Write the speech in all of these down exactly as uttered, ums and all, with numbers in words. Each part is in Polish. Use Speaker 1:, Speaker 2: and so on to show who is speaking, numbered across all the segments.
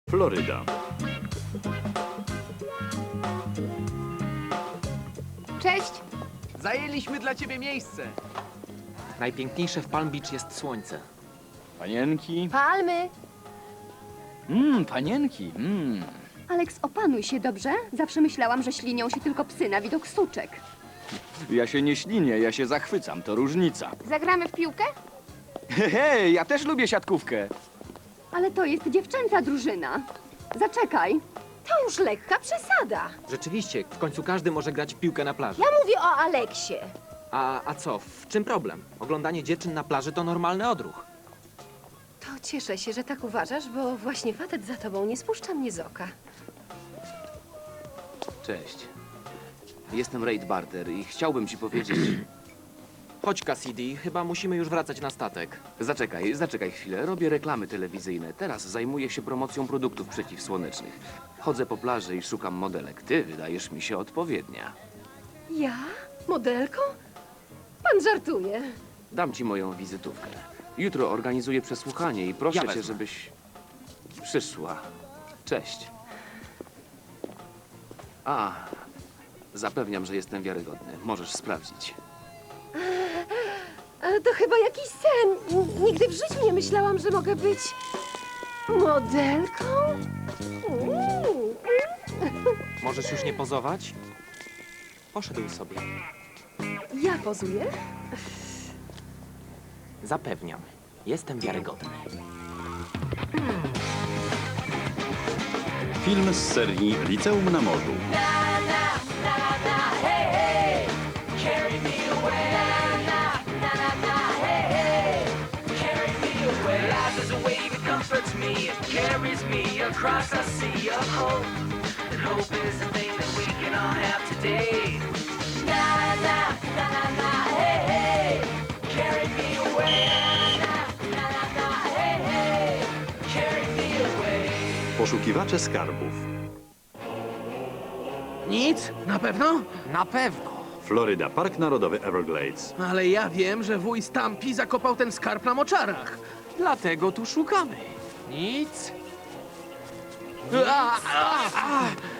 Speaker 1: Floryda.
Speaker 2: Cześć!
Speaker 3: Zajęliśmy dla ciebie miejsce.
Speaker 4: Najpiękniejsze w Palm Beach jest słońce.
Speaker 1: Panienki.
Speaker 2: Palmy!
Speaker 1: Mmm, panienki. Mmm.
Speaker 2: Aleks, opanuj się, dobrze? Zawsze myślałam, że ślinią się tylko psy na widok suczek.
Speaker 1: Ja się nie ślinię, ja się zachwycam, to różnica.
Speaker 2: Zagramy w piłkę?
Speaker 1: Hej, ja też lubię siatkówkę.
Speaker 2: Ale to jest dziewczęca drużyna. Zaczekaj.
Speaker 5: To już lekka przesada.
Speaker 4: Rzeczywiście, w końcu każdy może grać w piłkę na plaży.
Speaker 5: Ja mówię o Aleksie.
Speaker 4: A, a co, w czym problem? Oglądanie dziewczyn na plaży to normalny odruch.
Speaker 5: To cieszę się, że tak uważasz, bo właśnie facet za tobą nie spuszcza mnie z oka.
Speaker 3: Cześć. Jestem Reid Barter i chciałbym ci powiedzieć...
Speaker 4: Chodź, Cassidy, chyba musimy już wracać na statek.
Speaker 3: Zaczekaj, zaczekaj chwilę. Robię reklamy telewizyjne. Teraz zajmuję się promocją produktów przeciwsłonecznych. Chodzę po plaży i szukam modelek. Ty wydajesz mi się odpowiednia.
Speaker 5: Ja? Modelką? Pan żartuje.
Speaker 3: Dam ci moją wizytówkę. Jutro organizuję przesłuchanie i proszę
Speaker 4: Ja
Speaker 3: cię,
Speaker 4: wezmę.
Speaker 3: żebyś przyszła. Cześć. A, zapewniam, że jestem wiarygodny. Możesz sprawdzić.
Speaker 5: Ale to chyba jakiś sen. N- Nigdy w życiu nie myślałam, że mogę być modelką. Uuu.
Speaker 4: Możesz już nie pozować? Poszedł sobie.
Speaker 5: Ja pozuję?
Speaker 4: Zapewniam, jestem wiarygodny.
Speaker 1: Film z serii Liceum na Morzu.
Speaker 6: Life is a wave, it comforts me, it carries me across a sea of hope. And hope is the thing that we can all have today. Na na na na na, hey hey, carry me away. Na na na na, hey hey, carry me away.
Speaker 1: Poszukiwacze skarbów.
Speaker 3: Nic? Na pewno?
Speaker 4: Na pewno.
Speaker 1: Floryda, Park Narodowy Everglades.
Speaker 3: Ale ja wiem, że wuj Stampy zakopał ten skarb na moczarach.
Speaker 4: Dlatego tu szukamy. Nic.
Speaker 3: A, a, a.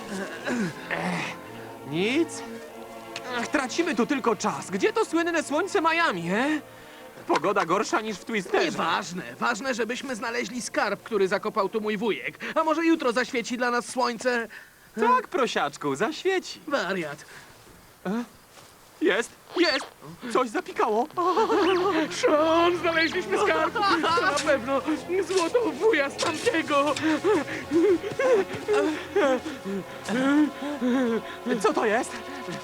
Speaker 4: Nic? Ach, tracimy tu tylko czas. Gdzie to słynne słońce Miami, he? Pogoda gorsza niż w Twisterze.
Speaker 3: Nieważne. Ważne, żebyśmy znaleźli skarb, który zakopał tu mój wujek. A może jutro zaświeci dla nas słońce?
Speaker 4: Tak, prosiaczku, zaświeci.
Speaker 3: Wariat.
Speaker 4: Jest, jest! Coś zapikało.
Speaker 3: Sean, znaleźliśmy skarb! To na pewno złoto wuja Stampy'ego!
Speaker 4: Co to jest?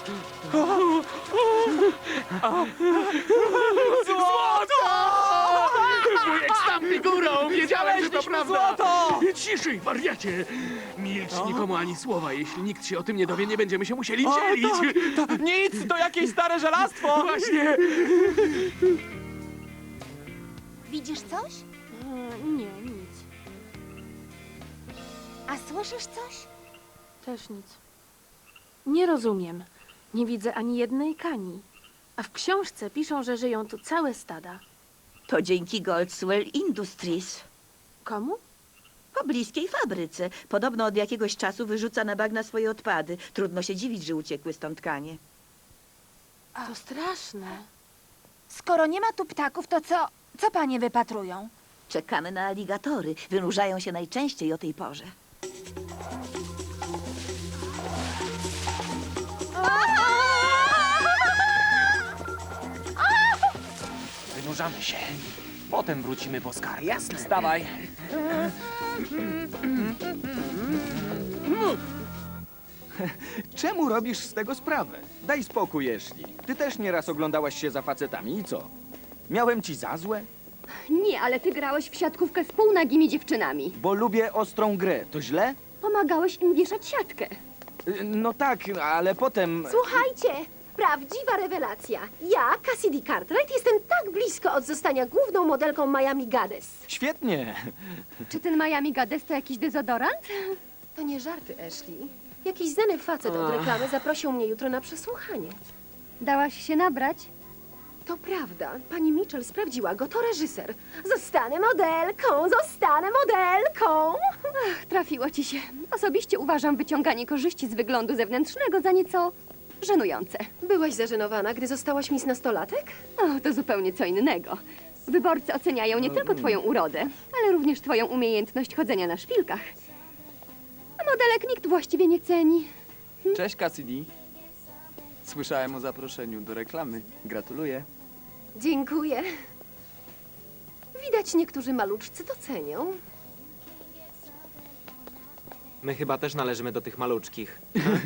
Speaker 3: Złoto! Wujek Stampy górą! Wiedziałem, że to
Speaker 4: Znaleźliśmy
Speaker 3: prawda!
Speaker 4: złoto!
Speaker 3: Ciszej, wariacie! Milcz nikomu ani słowa. Jeśli nikt się o tym nie dowie, nie będziemy się musieli
Speaker 4: O,
Speaker 3: dzielić.
Speaker 4: tak, to nic, to jakieś stare żelastwo.
Speaker 3: Właśnie!
Speaker 7: Widzisz coś?
Speaker 8: Nie, nic.
Speaker 7: A słyszysz coś?
Speaker 8: Też nic. Nie rozumiem. Nie widzę ani jednej kani. A w książce piszą, że żyją tu całe stada.
Speaker 9: To dzięki Goldswell Industries.
Speaker 8: Komu?
Speaker 9: Pobliskiej fabryce. Podobno od jakiegoś czasu wyrzuca na bagna swoje odpady. Trudno się dziwić, że uciekły stąd kanie.
Speaker 8: To straszne.
Speaker 7: Skoro nie ma tu ptaków, to co, co panie wypatrują?
Speaker 9: Czekamy na aligatory. Wynurzają się najczęściej o tej porze.
Speaker 4: Wynurzamy się. Potem wrócimy po skarb. Jasne. Wstawaj.
Speaker 10: Czemu robisz z tego sprawę? Daj spokój, Ashley. Ty też nieraz oglądałaś się za facetami i co? Miałem ci za złe?
Speaker 2: Nie, ale ty grałeś w siatkówkę z półnagimi dziewczynami.
Speaker 10: Bo lubię ostrą grę. To źle?
Speaker 2: Pomagałeś im wieszać siatkę.
Speaker 10: Y, No tak, ale potem...
Speaker 5: Słuchajcie, prawdziwa rewelacja. Ja, Cassidy Cartwright, jestem tak blisko od zostania główną modelką Miami Goddess.
Speaker 10: Świetnie.
Speaker 2: Czy ten Miami Goddess to jakiś dezodorant?
Speaker 5: To nie żarty, Ashley. Jakiś znany facet od reklamy zaprosił mnie jutro na przesłuchanie.
Speaker 2: Dałaś się nabrać?
Speaker 5: To prawda. Pani Mitchell sprawdziła go, to reżyser. Zostanę modelką, zostanę modelką.
Speaker 2: Ach, trafiło ci się. Osobiście uważam wyciąganie korzyści z wyglądu zewnętrznego za nieco żenujące.
Speaker 5: Byłaś zażenowana, gdy zostałaś mis nastolatek?
Speaker 2: O, to zupełnie co innego. Wyborcy oceniają nie tylko twoją urodę, ale również twoją umiejętność chodzenia na szpilkach. A modelek nikt właściwie nie ceni.
Speaker 10: Cześć, Cassidy. Słyszałem o zaproszeniu do reklamy. Gratuluję.
Speaker 5: Dziękuję. Widać, niektórzy maluczcy to cenią.
Speaker 4: My chyba też należymy do tych maluczkich.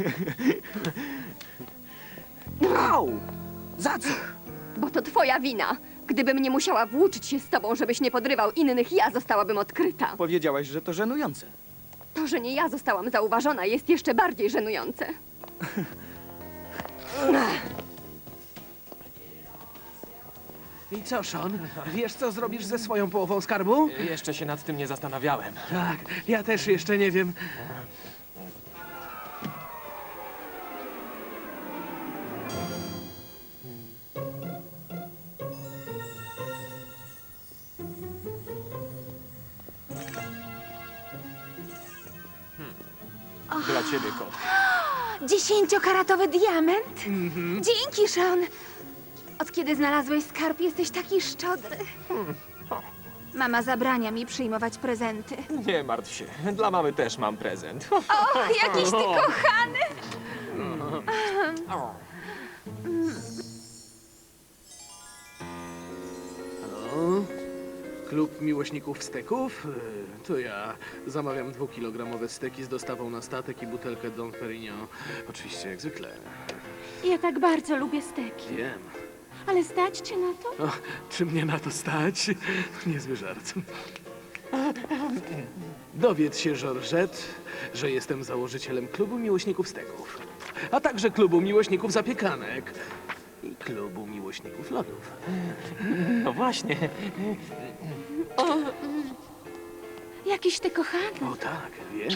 Speaker 10: Au! Za co?
Speaker 2: Bo to twoja wina. Gdybym nie musiała włóczyć się z tobą, żebyś nie podrywał innych, ja zostałabym odkryta.
Speaker 10: Powiedziałaś, że to żenujące.
Speaker 2: To, że nie ja zostałam zauważona, jest jeszcze bardziej żenujące.
Speaker 11: I co, Sean? Wiesz, co zrobisz ze swoją połową skarbu?
Speaker 4: Jeszcze się nad tym nie zastanawiałem.
Speaker 11: Tak, ja też jeszcze nie wiem.
Speaker 4: Dla ciebie, kot.
Speaker 7: Dziesięciokaratowy diament? Dzięki, Sean. Od kiedy znalazłeś skarb, jesteś taki szczodry. Mama zabrania mi przyjmować prezenty.
Speaker 4: Nie martw się. Dla mamy też mam prezent.
Speaker 7: Och, jakiś ty kochany!
Speaker 11: Halo? Klub miłośników steków? E, To ja zamawiam dwukilogramowe steki z dostawą na statek i butelkę Dom Perignon. Oczywiście, jak zwykle.
Speaker 8: Ja tak bardzo lubię steki.
Speaker 11: Wiem.
Speaker 8: Ale stać cię na to?
Speaker 11: O, czy mnie na to stać? Niezły żart. Dowiedz się, Georgette, że jestem założycielem klubu miłośników steków, a także klubu miłośników zapiekanek i klubu miłośników lodów.
Speaker 4: No właśnie.
Speaker 8: Jakiś ty kochany.
Speaker 11: O tak, wiem.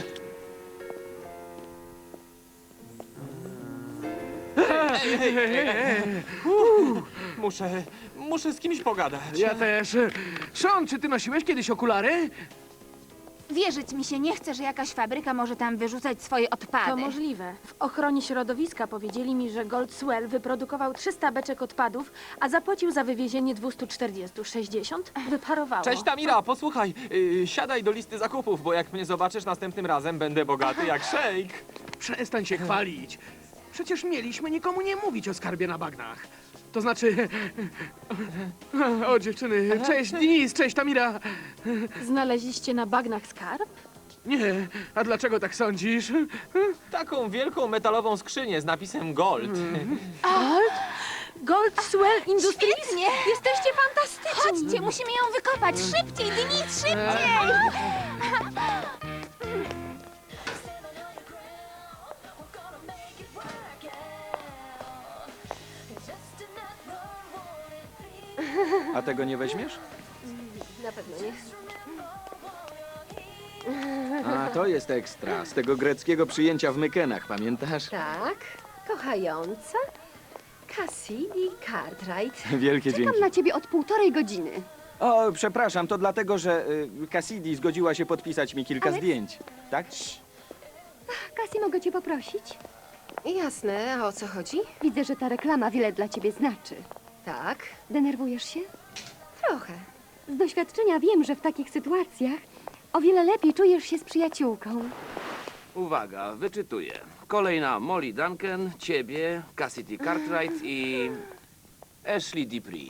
Speaker 4: Muszę, muszę z kimś pogadać.
Speaker 11: Ja też. Sean, czy ty nosiłeś kiedyś okulary?
Speaker 7: Wierzyć mi się nie chce, że jakaś fabryka może tam wyrzucać swoje odpady.
Speaker 8: To możliwe. W ochronie środowiska powiedzieli mi, że Goldswell wyprodukował trzysta beczek odpadów, a zapłacił za wywiezienie dwieście czterdzieści. sześćdziesiąt wyparowało.
Speaker 4: Cześć Tamira, posłuchaj, yy, siadaj do listy zakupów, bo jak mnie zobaczysz następnym razem, będę bogaty jak szejk.
Speaker 11: Przestań się chwalić. Przecież mieliśmy nikomu nie mówić o skarbie na bagnach. To znaczy... O, dziewczyny, cześć Denise, cześć Tamira.
Speaker 8: Znaleźliście na bagnach skarb?
Speaker 11: Nie, a dlaczego tak sądzisz?
Speaker 4: Taką wielką metalową skrzynię z napisem Gold.
Speaker 8: Gold? Goldswell Industries?
Speaker 7: Świetnie! Jesteście fantastyczni! Chodźcie, musimy ją wykopać! Szybciej, Denise, szybciej!
Speaker 10: A tego nie weźmiesz?
Speaker 5: Na pewno nie.
Speaker 10: A, to jest ekstra. Z tego greckiego przyjęcia w Mykenach, pamiętasz?
Speaker 5: Tak, kochająca Cassidy Cartwright.
Speaker 10: Wielkie
Speaker 2: Czekam
Speaker 10: dzięki.
Speaker 2: na ciebie od półtorej godziny.
Speaker 10: O, przepraszam, to dlatego, że y, Cassidy zgodziła się podpisać mi kilka
Speaker 2: Alex?
Speaker 10: zdjęć. Tak?
Speaker 2: Cassie, mogę cię poprosić?
Speaker 5: Jasne, a o co chodzi?
Speaker 2: Widzę, że ta reklama wiele dla ciebie znaczy.
Speaker 5: Tak,
Speaker 2: Denerwujesz się?
Speaker 5: trochę.
Speaker 2: Z doświadczenia wiem, że w takich sytuacjach o wiele lepiej czujesz się z przyjaciółką.
Speaker 3: Uwaga, wyczytuję. Kolejna Molly Duncan, ciebie, Cassidy Cartwright i Ashley Dupree.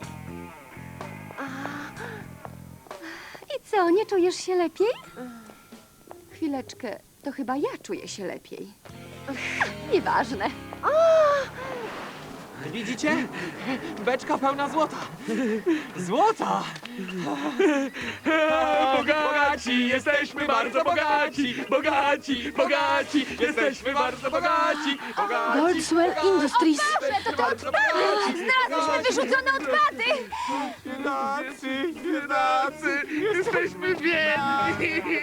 Speaker 2: I co, nie czujesz się lepiej? Chwileczkę, to chyba ja czuję się lepiej. Nieważne.
Speaker 4: Widzicie? Beczka pełna złota. Złota!
Speaker 11: Bogaci, jesteśmy bardzo bogaci, bogaci, bogaci, jesteśmy bardzo bogaci, bogaci.
Speaker 8: Goldswell Industries.
Speaker 7: To te odpady! Znalazłyśmy wyrzucone odpady!
Speaker 11: Biedacy, biedacy, jesteśmy biedni.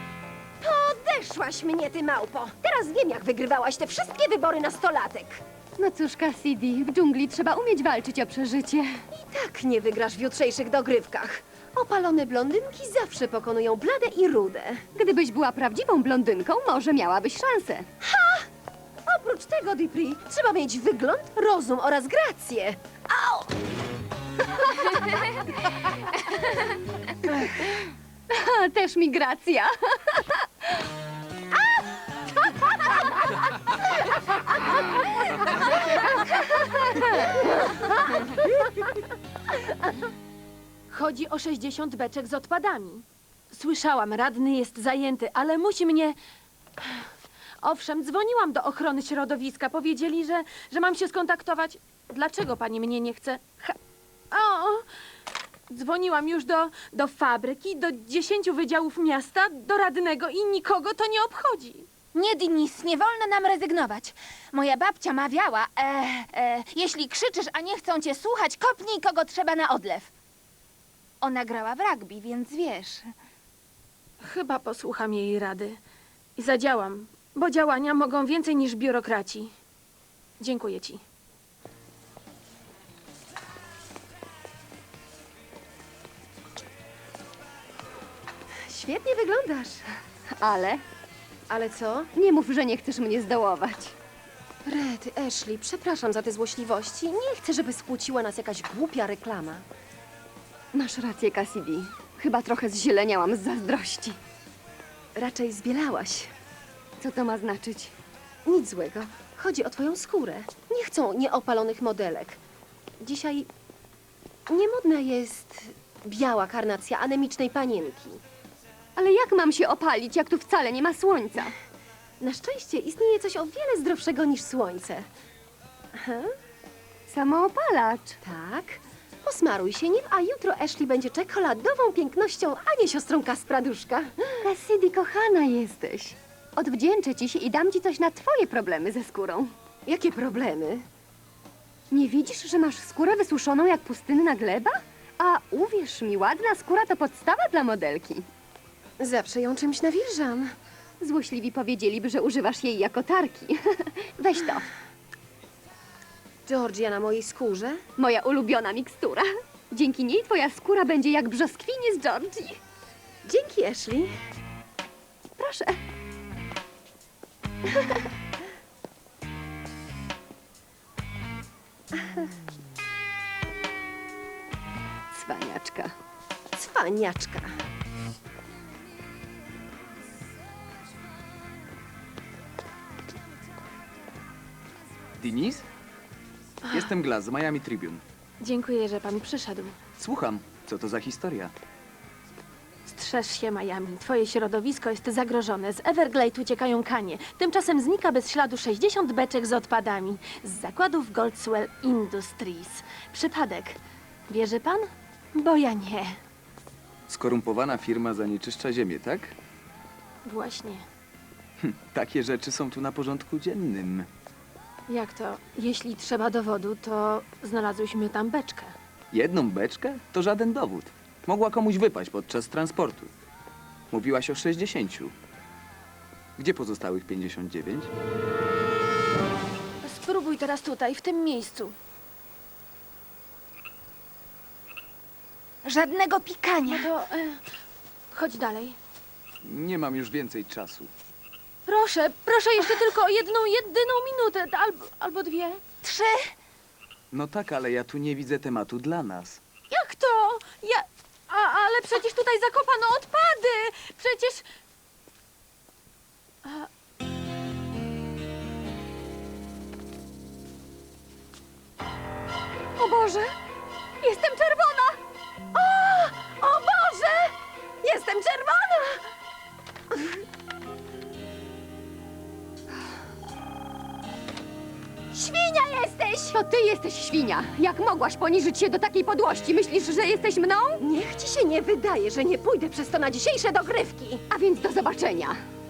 Speaker 5: Podeszłaś mnie, ty małpo. Teraz wiem, jak wygrywałaś te wszystkie wybory nastolatek.
Speaker 2: No cóż, Cassidy, w dżungli trzeba umieć walczyć o przeżycie.
Speaker 5: Tak nie wygrasz w jutrzejszych dogrywkach. Opalone blondynki zawsze pokonują blade i rude.
Speaker 2: Gdybyś była prawdziwą blondynką, może miałabyś szansę.
Speaker 5: Oprócz tego, Dipri, trzeba mieć wygląd, rozum oraz grację. Au!
Speaker 2: A, też migracja.
Speaker 8: Chodzi o sześćdziesiąt beczek z odpadami. Słyszałam, radny jest zajęty, ale musi mnie... Owszem, dzwoniłam do ochrony środowiska. Powiedzieli, że, że mam się skontaktować. Dlaczego pani mnie nie chce? Ha... O! Dzwoniłam już do, do fabryki, do dziesięciu wydziałów miasta, do radnego i nikogo to nie obchodzi.
Speaker 7: Nie, Dinis, nie wolno nam rezygnować. Moja babcia mawiała, e, e, jeśli krzyczysz, a nie chcą cię słuchać, kopnij kogo trzeba na odlew. Ona grała w rugby, więc wiesz.
Speaker 8: Chyba posłucham jej rady i zadziałam, bo działania mogą więcej niż biurokraci. Dziękuję ci.
Speaker 5: Świetnie wyglądasz.
Speaker 2: Ale
Speaker 5: Ale co?
Speaker 2: nie mów, że nie chcesz mnie zdołować.
Speaker 5: Rety, Ashley, przepraszam za te złośliwości. Nie chcę, żeby skłóciła nas jakaś głupia reklama.
Speaker 2: Masz rację, Cassidy. Chyba trochę zzieleniałam z zazdrości.
Speaker 5: Raczej zbielałaś.
Speaker 2: Co to ma znaczyć?
Speaker 5: Nic złego. Chodzi o twoją skórę. Nie chcą nieopalonych modelek. Dzisiaj niemodna jest biała karnacja anemicznej panienki.
Speaker 2: Ale jak mam się opalić, jak tu wcale nie ma słońca?
Speaker 5: Na szczęście istnieje coś o wiele zdrowszego niż słońce.
Speaker 2: Samoopalacz.
Speaker 5: Tak. Posmaruj się nim, a jutro Ashley będzie czekoladową pięknością, a nie siostrą Kaspraduszka.
Speaker 2: Cassidy, kochana jesteś. Odwdzięczę ci się i dam ci coś na twoje problemy ze skórą.
Speaker 5: Jakie problemy?
Speaker 2: Nie widzisz, że masz skórę wysuszoną jak pustynna gleba? A uwierz mi, ładna skóra to podstawa dla modelki.
Speaker 5: Zawsze ją czymś nawilżam.
Speaker 2: Złośliwi powiedzieliby, że używasz jej jako tarki. Weź to,
Speaker 5: Georgia na mojej skórze?
Speaker 2: moja ulubiona mikstura. Dzięki niej twoja skóra będzie jak brzoskwinie z Georgii.
Speaker 5: Dzięki, Ashley.
Speaker 2: Proszę. Cwaniaczka.
Speaker 5: Cwaniaczka.
Speaker 10: Dinis? Jestem Glass z Miami Tribune.
Speaker 8: Dziękuję, że pan przyszedł.
Speaker 10: Słucham, co to za historia?
Speaker 8: Strzeż się, Miami. Twoje środowisko jest zagrożone. Z Everglade uciekają kanie. Tymczasem znika bez śladu sześćdziesiąt beczek z odpadami. Z zakładów Goldswell Industries. Przypadek. Wierzy pan? Bo ja nie.
Speaker 10: Skorumpowana firma zanieczyszcza ziemię, tak?
Speaker 8: Właśnie.
Speaker 10: Takie rzeczy są tu na porządku dziennym.
Speaker 8: Jak to? Jeśli trzeba dowodu, to znalazłyśmy tam beczkę.
Speaker 10: Jedną beczkę to żaden dowód. Mogła komuś wypaść podczas transportu. Mówiłaś o sześćdziesięciu. Gdzie pozostałych pięćdziesiąt dziewięć?
Speaker 8: Spróbuj teraz tutaj, w tym miejscu.
Speaker 7: Żadnego pikania.
Speaker 8: No to e, chodź dalej.
Speaker 10: Nie mam już więcej czasu.
Speaker 8: Proszę, proszę jeszcze tylko o jedną, jedyną minutę, albo, albo dwie.
Speaker 7: Trzy.
Speaker 10: No tak, ale ja tu nie widzę tematu dla nas.
Speaker 8: Jak to? Ja... A, ale przecież tutaj zakopano odpady! Przecież... A...
Speaker 2: O Boże! Jestem czerwona! O! O Boże! Jestem czerwona! Świnia jesteś! To ty jesteś świnia! Jak mogłaś poniżyć się do takiej podłości? Myślisz, że jesteś mną?
Speaker 5: Niech ci się nie wydaje, że nie pójdę przez to na dzisiejsze dogrywki.
Speaker 2: A więc do zobaczenia!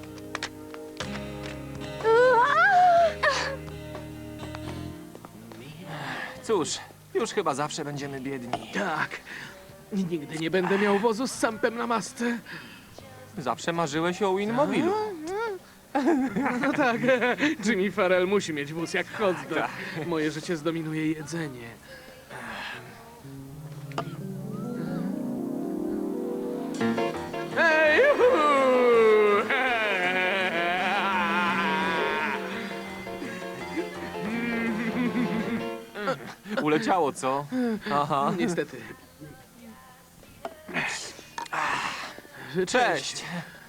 Speaker 4: Cóż, już chyba zawsze będziemy biedni.
Speaker 11: Tak. Nigdy nie będę miał wozu z sampem na masce.
Speaker 4: Zawsze marzyłeś o Winmobilu.
Speaker 11: No tak, Jimmy Farrell musi mieć wóz jak hot dog. Moje życie zdominuje jedzenie. Hej! juhu!
Speaker 4: Uleciało, co? Aha.
Speaker 11: Niestety.
Speaker 4: Cześć.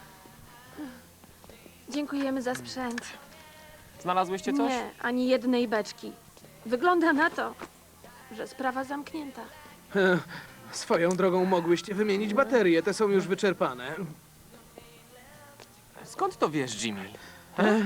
Speaker 8: Dziękujemy za sprzęt.
Speaker 4: Znalazłyście coś?
Speaker 8: Nie, ani jednej beczki. Wygląda na to, że sprawa zamknięta.
Speaker 11: Swoją drogą mogłyście wymienić baterie, te są już wyczerpane.
Speaker 4: Skąd to wiesz, Jimmy?
Speaker 11: E,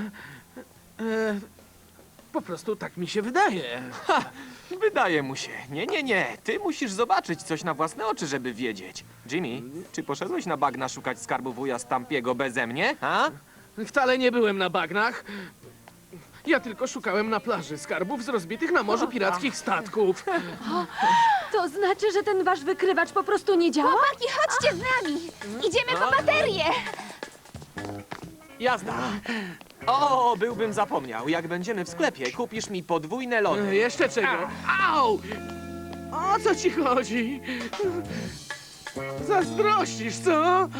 Speaker 11: po prostu tak mi się wydaje.
Speaker 4: Ha! Wydaje mu się. Nie, nie, nie. Ty musisz zobaczyć coś na własne oczy, żeby wiedzieć. Jimmy, czy poszedłeś na bagna szukać skarbu wuja Stampiego beze mnie? Ha?
Speaker 11: Wcale nie byłem na bagnach. Ja tylko szukałem na plaży skarbów z rozbitych na morzu pirackich statków.
Speaker 8: To znaczy, że ten wasz wykrywacz po prostu nie działa?
Speaker 7: Chłopaki, chodźcie z nami! Idziemy po baterię!
Speaker 4: Jazda. O, byłbym zapomniał. Jak będziemy w sklepie, kupisz mi podwójne
Speaker 11: E,
Speaker 4: lody.
Speaker 11: Jeszcze czego? Au! O co ci chodzi? Zazdrościsz, co?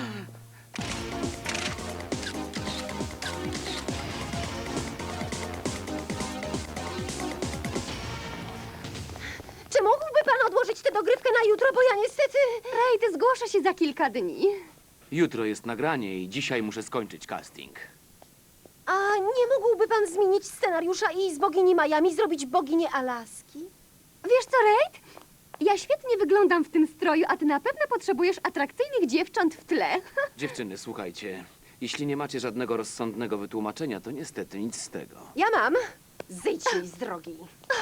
Speaker 5: Czy mógłby pan odłożyć tę dogrywkę na jutro, bo ja niestety...
Speaker 2: Raid zgłasza się za kilka dni.
Speaker 3: Jutro jest nagranie i dzisiaj muszę skończyć casting.
Speaker 5: A nie mógłby pan zmienić scenariusza i z bogini Miami zrobić boginię Alaski?
Speaker 2: Wiesz co, Raid? Ja świetnie wyglądam w tym stroju, a ty na pewno potrzebujesz atrakcyjnych dziewcząt w tle.
Speaker 3: Dziewczyny, słuchajcie. Jeśli nie macie żadnego rozsądnego wytłumaczenia, to niestety nic z tego.
Speaker 5: Ja mam. Zejdź mi z drogi.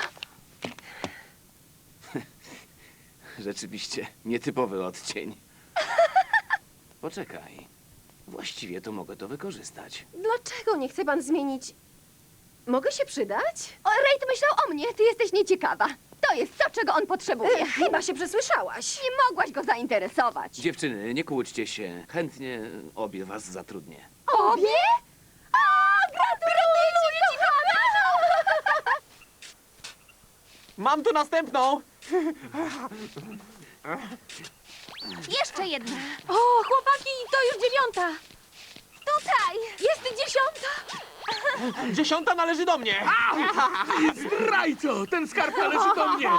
Speaker 3: Rzeczywiście, nietypowy odcień. Poczekaj. Właściwie to mogę to wykorzystać.
Speaker 5: Dlaczego nie chce pan zmienić? Mogę się przydać?
Speaker 2: O, Raid myślał o mnie, ty jesteś nieciekawa. To jest to, czego on potrzebuje.
Speaker 5: E, chyba się przesłyszałaś.
Speaker 2: Nie mogłaś go zainteresować.
Speaker 3: Dziewczyny, nie kłóćcie się. Chętnie obie was zatrudnię.
Speaker 2: Obie? A, gratuluję ci, kochana!
Speaker 4: Mam tu następną.
Speaker 7: Jeszcze jedna.
Speaker 8: O, chłopaki, to już dziewiąta!
Speaker 7: Tutaj!
Speaker 8: Jest dziesiąta!
Speaker 4: Dziesiąta należy do mnie.
Speaker 11: Zdrajco! Ten skarb należy do mnie!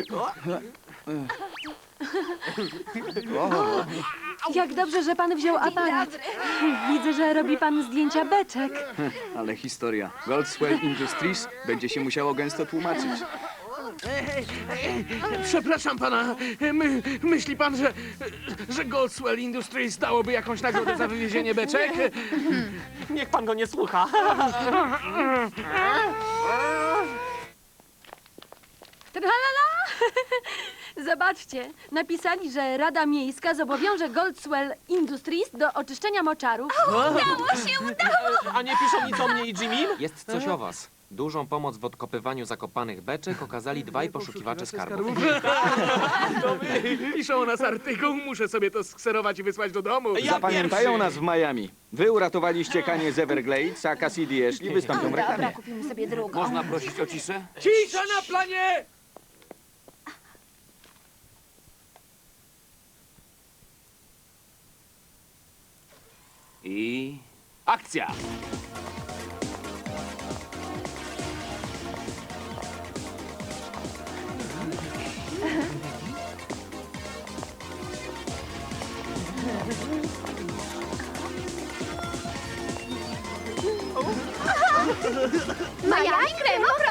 Speaker 8: Jak dobrze, że pan wziął aparat. Widzę, że robi pan zdjęcia beczek.
Speaker 10: Ale historia. Goldswell Industries będzie się musiało gęsto tłumaczyć.
Speaker 11: Przepraszam pana, my, myśli pan, że, że Goldswell Industries dałoby jakąś nagrodę za wywiezienie beczek?
Speaker 4: Niech pan go nie słucha.
Speaker 8: Tralala! Zobaczcie, napisali, że Rada Miejska zobowiąże Goldswell Industries do oczyszczenia moczarów.
Speaker 4: A nie piszą nic o mnie i Jimmy?
Speaker 12: Jest coś o was. Dużą pomoc w odkopywaniu zakopanych beczek okazali dwaj poszukiwacze skarbów.
Speaker 11: Piszą o nas artykuł, muszę sobie to skserować i wysłać do domu.
Speaker 4: Ja
Speaker 1: Zapamiętają
Speaker 4: pierwszy.
Speaker 1: nas w Miami. Wy uratowaliście Kanie z Everglades, a Cassidy i Ashley wystąpią w reklamie.
Speaker 7: Kupimy sobie drugą.
Speaker 3: Można prosić o ciszę?
Speaker 11: Cisza na planie!
Speaker 3: I... akcja!
Speaker 2: Miami Kremo